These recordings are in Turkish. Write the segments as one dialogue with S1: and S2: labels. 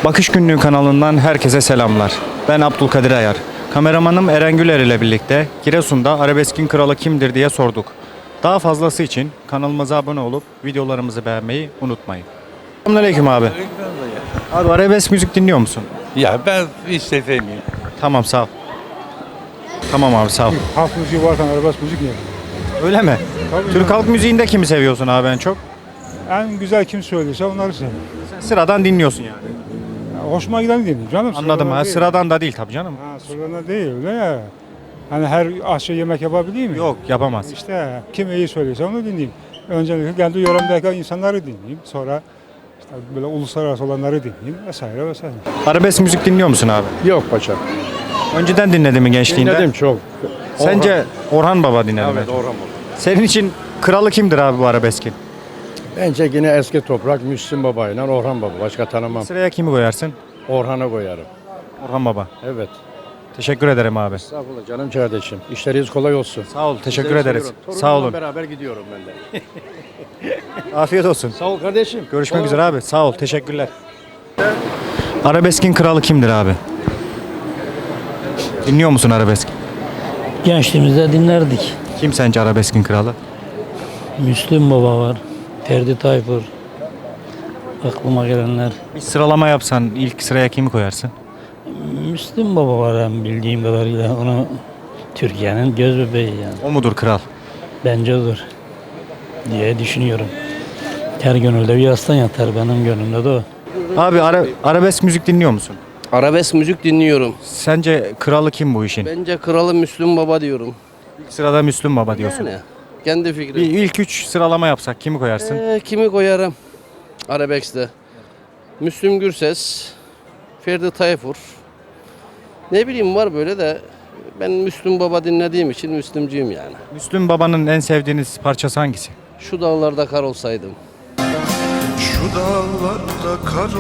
S1: Bakış Günlüğü kanalından herkese selamlar. Ben Abdülkadir Ayar. Kameramanım Eren Güler ile birlikte Giresun'da arabeskin kralı kimdir diye sorduk. Daha fazlası için kanalımıza abone olup videolarımızı beğenmeyi unutmayın. Selamünaleyküm abi. Abi arabesk müzik dinliyor musun?
S2: Ya ben hiç sevmiyorum.
S1: Tamam sağ ol. Tamam abi sağ ol.
S3: Halk müziği varken arabesk müzik niye?
S1: Öyle mi?
S3: Tabii
S1: Türk halk müziğinde kimi seviyorsun abi en çok?
S3: En güzel kim söylüyorsa onları seviyorum.
S1: Sen sıradan dinliyorsun yani.
S3: Ya hoşuma giden dinliyorum canım.
S1: Anladım
S3: sıradan
S1: ha
S3: değil.
S1: sıradan da değil tabii canım.
S3: Ha, sıradan değil öyle ya. Hani her aşçı yemek yapabiliyor mu?
S1: Yok yapamaz.
S3: İşte kim iyi söylüyorsa onu dinleyeyim. Öncelikle kendi yöremdeki insanları dinleyeyim. Sonra işte böyle uluslararası olanları dinleyeyim vesaire vesaire.
S1: Arabesk müzik dinliyor musun abi?
S4: Yok paşa.
S1: Önceden dinledin mi gençliğinde?
S4: Dinledim çok.
S1: Sence Orhan Baba dinledin mi?
S4: Evet Orhan Baba.
S1: Senin için kralı kimdir abi bu arabeskin?
S4: Bence yine eski toprak Müslüm Baba ile Orhan Baba. Başka tanımam.
S1: Sıraya kimi koyarsın?
S4: Orhan'a koyarım.
S1: Orhan Baba.
S4: Evet.
S1: Teşekkür ederim abi.
S4: Estağfurullah canım kardeşim. İşleriniz kolay olsun.
S1: Sağ ol, teşekkür
S4: Sizleri
S1: ederiz.
S4: seviyorum.
S1: Sağ
S4: Torunumla
S1: olun.
S4: beraber gidiyorum ben de.
S1: Afiyet olsun.
S4: Sağ ol kardeşim.
S1: Görüşmek
S4: Kolay
S1: üzere abi. Sağ ol, teşekkürler. Arabeskin kralı kimdir abi? Dinliyor musun arabesk?
S5: Gençliğimizde dinlerdik.
S1: Kim sence arabeskin kralı?
S5: Müslüm Baba var, Ferdi Tayfur, aklıma gelenler.
S1: Bir sıralama yapsan ilk sıraya kimi koyarsın?
S5: Müslüm Baba var hem bildiğim kadarıyla onu Türkiye'nin göz bebeği yani.
S1: O mudur kral?
S5: Bence odur diye düşünüyorum. Her gönülde bir aslan yatar, benim gönlümde de o.
S1: Abi arabesk müzik dinliyor musun?
S6: Arabesk müzik dinliyorum.
S1: Sence kralı kim bu işin?
S6: Bence kralı Müslüm Baba diyorum.
S1: İlk sırada Müslüm Baba diyorsun.
S6: Yani kendi
S1: Bir
S6: fikrim.
S1: ilk üç sıralama yapsak kimi koyarsın?
S6: Kimi koyarım? Arabesk'te. Müslüm Gürses, Ferdi Tayfur. Ne bileyim var böyle de ben Müslüm Baba dinlediğim için Müslümcüyüm yani.
S1: Müslüm Baba'nın en sevdiğiniz parçası hangisi?
S6: Şu dağlarda kar olsaydım.
S7: Şu dağlarda kar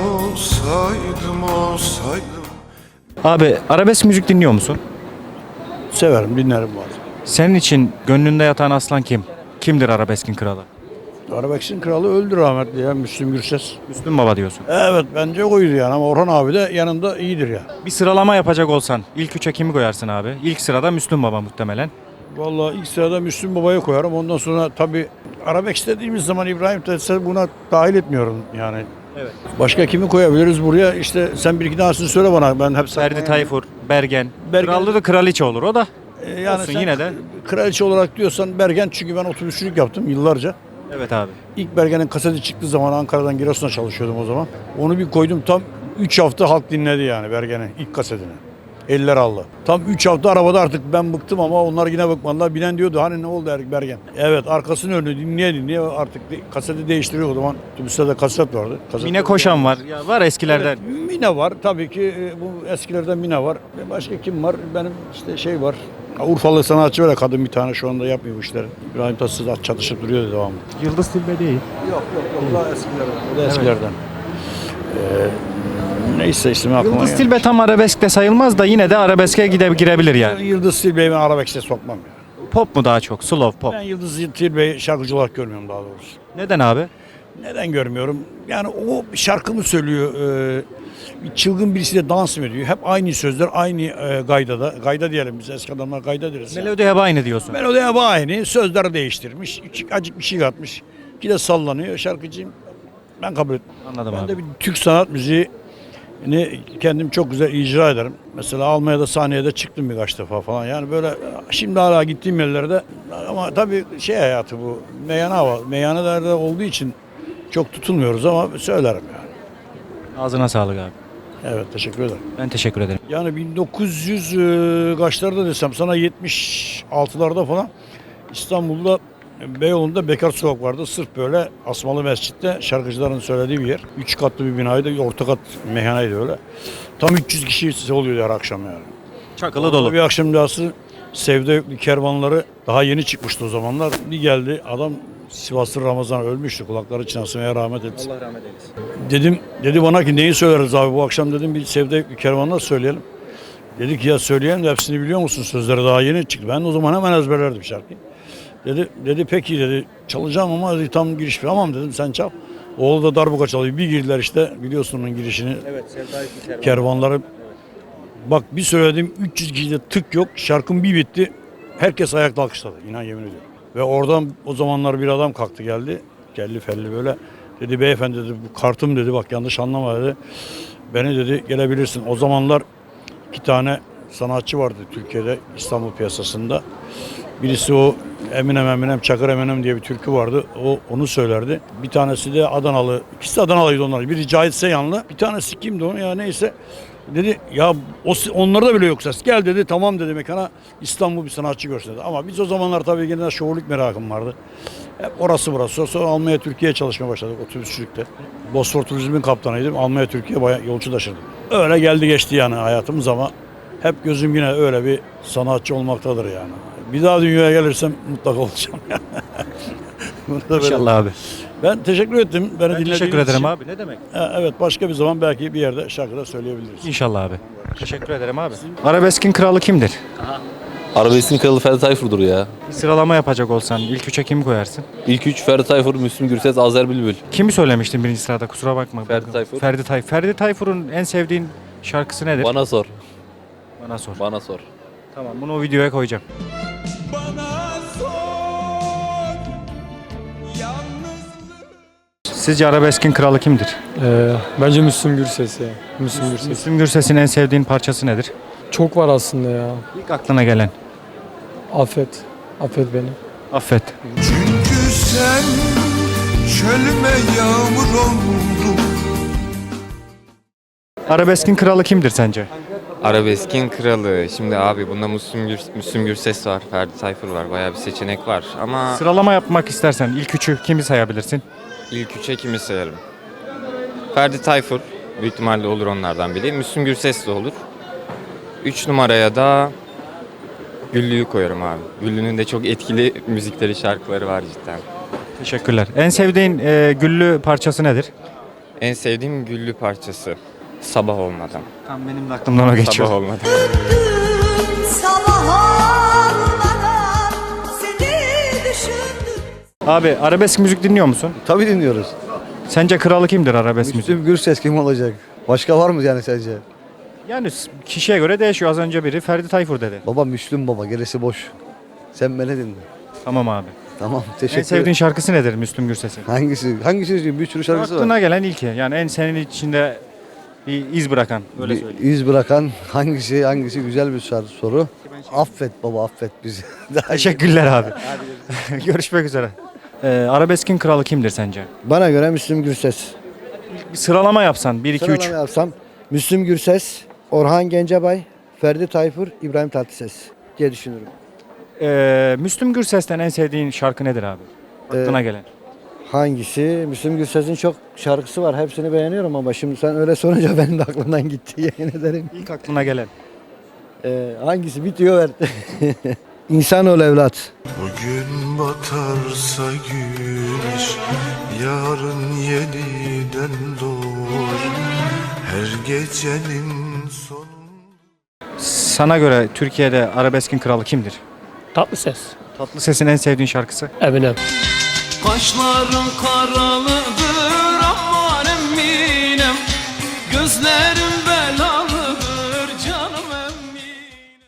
S7: olsaydım.
S1: Abi arabesk müzik dinliyor musun?
S4: Severim, dinlerim bazen.
S1: Senin için gönlünde yatan aslan kim? Kimdir arabeskin kralı?
S4: Arabesk'in kralı öldü rahmetli ya Müslüm Gürses.
S1: Müslüm Baba diyorsun.
S4: Evet bence oydu yani ama Orhan abi de yanında iyidir ya.
S1: Bir sıralama yapacak olsan ilk üçe kimi koyarsın abi? İlk sırada Müslüm Baba muhtemelen.
S4: Vallahi ilk sırada Müslüm Baba'yı koyarım. Ondan sonra tabii Arabesk dediğimiz zaman İbrahim Tatlıses buna dahil etmiyorum yani.
S1: Evet.
S4: Başka kimi koyabiliriz buraya? İşte sen bir iki tanesini söyle bana. Ben hep
S1: Ferdi Tayfur, Bergen.
S4: Bergen.
S1: Krallı da kraliçe olur o da.
S4: yani
S1: olsun
S4: sen
S1: yine de.
S4: kraliçe olarak diyorsan Bergen çünkü ben otobüsçülük yaptım yıllarca.
S1: Evet abi.
S4: İlk Bergen'in kaseti çıktığı zaman Ankara'dan Giresun'a çalışıyordum o zaman. Onu bir koydum tam 3 hafta halk dinledi yani Bergen'in ilk kasetini. Eller aldı. Tam 3 hafta arabada artık ben bıktım ama onlar yine bıkmadılar. Binen diyordu hani ne oldu Bergen? Evet arkasını önünü dinleye artık kaseti değiştiriyor o zaman. Otobüste de kaset vardı.
S1: Mine Koşan var. Ya var eskilerden.
S4: Evet, Mine var tabii ki bu eskilerden Mine var. Başka kim var? Benim işte şey var. Urfalı sanatçı var kadın bir tane şu anda yapmıyor bu işleri. İbrahim Tatlıses çatışıp duruyor devamlı.
S1: Yıldız Tilbe değil.
S4: Yok. O da eskilerden. O da eskilerden. Neyse ismi aklıma
S1: Yıldız
S4: gelmiş.
S1: Tilbe tam arabesk de sayılmaz da yine de arabeske girebilir yani.
S4: Yıldız Tilbe'yi ben arabesk'e sokmam ya.
S1: Pop mu daha çok? Slow pop.
S4: Ben Yıldız Tilbe'yi şarkıcı olarak görmüyorum daha doğrusu.
S1: Neden abi?
S4: Neden görmüyorum? Yani o bir şarkı mı söylüyor? Bir çılgın birisiyle dans mı ediyor? Hep aynı sözler, aynı gaydada. Gayda diyelim biz eski adamlar gayda deriz.
S1: Melodi hep aynı diyorsun.
S4: Melodi hep aynı. Sözler değiştirmiş. Acık bir şey katmış. Bir de sallanıyor. Şarkıcıyım. Ben kabul etmem.
S1: Anladım
S4: Ben
S1: abi.
S4: de bir Türk sanat müziğini kendim çok güzel icra ederim. Mesela Almanya'da sahneye de çıktım birkaç defa falan. Yani böyle şimdi hala gittiğim yerlerde ama tabii şey hayatı bu. Meyhanelerde olduğu için çok tutulmuyoruz ama söylerim yani.
S1: Ağzına sağlık abi.
S4: Evet teşekkür ederim.
S1: Ben teşekkür ederim.
S4: Yani 1900 kaçlarda desem sana 76'larda falan İstanbul'da Beyoğlu'nda Bekar Sokak vardı. Sırf böyle Asmalı Mescid'de şarkıcıların söylediği bir yer. 3 katlı bir binaydı. Orta kat meyhaneydi öyle. Tam 300 kişi oluyordu her akşam yani.
S1: Çakılı dolu.
S4: Bir akşam rüyası Sevda Yüklü kervanları daha yeni çıkmıştı o zamanlar. Bir geldi adam Sivaslı Ramazan ölmüştü. Kulakları çınlasın rahmet etsin.
S1: Allah rahmet eylesin.
S4: Dedi bana ki neyi söyleriz abi bu akşam dedim bir Sevda Yüklü kervanlar söyleyelim. Dedi ki ya söyleyelim de hepsini biliyor musun? Sözleri daha yeni çıktı. Ben o zaman hemen ezberlerdim şarkıyı. Dedi peki dedi çalacağım ama dedi, tam giriş tamam dedim sen çal. Oğlu da darbuka çalıyor. Bir girdiler işte, biliyorsun onun girişini.
S1: Evet,
S4: Kervanları. Bak bir söyledim 300 kişide tık yok. Şarkım bir bitti. Herkes ayakta alkışladı. İnan yemin ediyorum. Ve oradan o zamanlar bir adam kalktı geldi. Kelli felli böyle. Dedi beyefendi dedi bu kartım dedi bak yanlış anlama dedi. Beni dedi gelebilirsin. O zamanlar 2 tane sanatçı vardı Türkiye'de İstanbul piyasasında. Birisi o Eminem Çakır Eminem diye bir türkü vardı. Onu söylerdi. Bir tanesi de Adanalı. İkisi de Adanalıydı onlar. Biri Cahit Seyhanlı. Bir tanesi kimdi o ya neyse. Dedi ya onlarda bile yok ses. Gel dedi tamam dedi mekana İstanbul bir sanatçı görsün dedi. Ama biz o zamanlar tabii yine şovluk merakım vardı. Hep orası burası. Sonra Almanya Türkiye'ye çalışmaya başladık otobüsçülükte. Bosfor Turizm'in kaptanıydım. Almanya Türkiye'ye bayağı yolcu taşırdım. Öyle geldi geçti yani hayatımız ama hep gözüm yine öyle bir sanatçı olmaktadır yani. Bir daha dünyaya gelirsem mutlaka olacağım yani. Bunu da böyle-
S1: İnşallah abi.
S4: Ben teşekkür ettim. Beni
S1: Ben
S4: dinlediğiniz
S1: teşekkür ederim
S4: için.
S1: abi. Ne demek?
S4: Evet başka bir zaman belki bir yerde şarkıda söyleyebiliriz.
S1: İnşallah abi. Teşekkür ederim abi. Arabeskin kralı kimdir?
S8: Arabeskin kralı Ferdi Tayfur'dur ya.
S1: Bir sıralama yapacak olsan ilk üçe kimi koyarsın?
S8: İlk üç Ferdi Tayfur, Müslüm Gürses, Azer Bülbül.
S1: Kimi söylemiştin birinci sırada? Kusura bakma.
S8: Ferdi Tayfur.
S1: Ferdi Tayfur'un en sevdiğin şarkısı nedir?
S8: Bana sor.
S1: Bana sor.
S8: Bana sor.
S1: Tamam bunu o videoya koyacağım. Sizce arabeskin kralı kimdir?
S9: Bence Müslüm Gürses ya. Müslüm Gürses.
S1: Müslüm Gürses'in en sevdiğin parçası nedir?
S9: Çok var aslında ya.
S1: İlk aklına gelen.
S9: Affet. Affet beni.
S1: Affet.
S7: Çünkü sen çölüme yağmur oldun.
S1: Arabeskin kralı kimdir sence?
S10: Arabeskin kralı. Şimdi abi bunda Müslüm Gürses var, Ferdi Tayfur var. Bayağı bir seçenek var. Ama
S1: Sıralama yapmak istersen ilk üçü kimi sayabilirsin?
S10: ilk üçe kimi sayarım? Ferdi Tayfur. Büyük ihtimalle olur onlardan biri. Müslüm Gürses de olur. 3 numaraya da Güllü'yü koyarım abi. Güllü'nün de çok etkili müzikleri, şarkıları var cidden.
S1: Teşekkürler. En sevdiğin güllü parçası nedir?
S10: En sevdiğim Güllü parçası. Sabah olmadan.
S1: Tam benim de aklımdan o geçiyor.
S10: Sabah olmadan.
S11: Sabah olmadan seni düşündüm.
S1: Abi arabesk müzik dinliyor musun?
S12: Tabii dinliyoruz.
S1: Sence kralı kimdir arabesk müzik?
S12: Müslüm Gürses kim olacak? Başka var mı yani sence?
S1: Yani kişiye göre değişiyor. Az önce biri Ferdi Tayfur dedi.
S12: Baba Müslüm baba gerisi boş. Sen beni dinle.
S1: Tamam abi.
S12: Tamam
S1: En
S12: teşekkür
S1: sevdiğin
S12: ederim.
S1: şarkısı nedir Müslüm Gürses'in?
S12: Hangisi? Bir sürü şarkısı var.
S1: Aklına gelen ilki. Yani en senin içinde bir iz bırakan. Öyle
S12: Bir
S1: söyleyeyim.
S12: iz bırakan hangisi güzel bir soru. Affet baba affet bizi.
S1: Teşekkürler abi. Görüşmek üzere. Arabeskin kralı kimdir sence?
S12: Bana göre Müslüm Gürses.
S1: Bir sıralama yapsan 1 2 3.
S12: Sıralama yapsam Müslüm Gürses, Orhan Gencebay, Ferdi Tayfur, İbrahim Tatlıses diye düşünürüm.
S1: Müslüm Gürses'ten en sevdiğin şarkı nedir abi? Aklına gelen.
S12: Hangisi? Müslüm Gürses'in çok şarkısı var. Hepsini beğeniyorum ama şimdi sen öyle sorunca benim de aklımdan gitti yemin ederim.
S1: İlk aklına gelen.
S12: Hangisi? Bitiyor ver. İnsanoğlu evlat.
S7: Bugün batarsa güneş, yarın yeniden doğar. Her gecenin sonu.
S1: Sana göre Türkiye'de arabeskin kralı kimdir?
S5: Tatlıses.
S1: Tatlıses'in en sevdiğin şarkısı?
S5: Eminem.
S11: Kaşların karalı